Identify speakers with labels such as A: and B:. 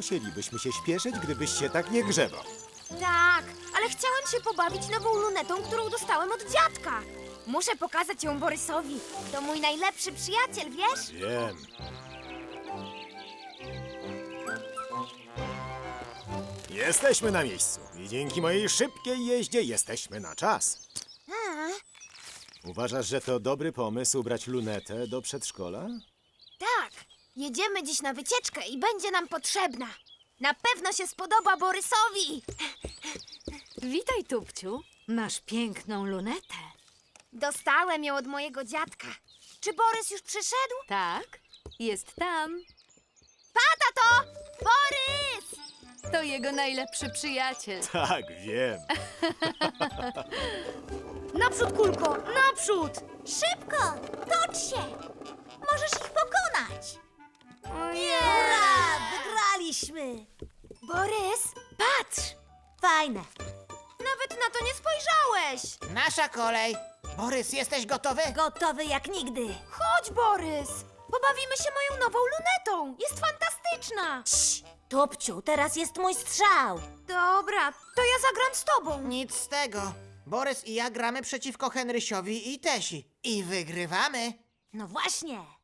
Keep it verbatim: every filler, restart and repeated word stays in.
A: musielibyśmy się śpieszyć, gdybyś się tak nie grzebał.
B: Tak, ale chciałem się pobawić nową lunetą, którą dostałem od dziadka. Muszę pokazać ją Borysowi. To mój najlepszy przyjaciel, wiesz?
A: Wiem. Jesteśmy na miejscu i dzięki mojej szybkiej jeździe jesteśmy na czas. Uważasz, że to dobry pomysł brać lunetę do przedszkola?
B: Tak, jedziemy dziś na wycieczkę i będzie nam potrzebna. Na pewno się spodoba Borysowi.
C: Witaj, Tupciu. Masz piękną lunetę.
B: Dostałem ją od mojego dziadka. Czy Borys już przyszedł?
C: Tak, jest tam.
B: Pa, tato! Borys!
C: To jego najlepszy przyjaciel.
A: Tak, wiem.
B: Naprzód, Kulko, naprzód!
D: Szybko! Tocz się! Możesz ich pokonać!
B: Nie!
D: Hurra! Wygraliśmy!
B: Borys, patrz!
D: Fajne.
B: Nawet na to nie spojrzałeś!
E: Nasza kolej. Borys, jesteś gotowy?
D: Gotowy jak nigdy.
B: Chodź, Borys! Pobawimy się moją nową lunetą! Jest fantastyczna!
D: Cii, Topciu, teraz jest mój strzał.
B: Dobra, to ja zagram z tobą.
E: Nic z tego. Borys i ja gramy przeciwko Henrysiowi i Tesi. I wygrywamy.
D: No właśnie.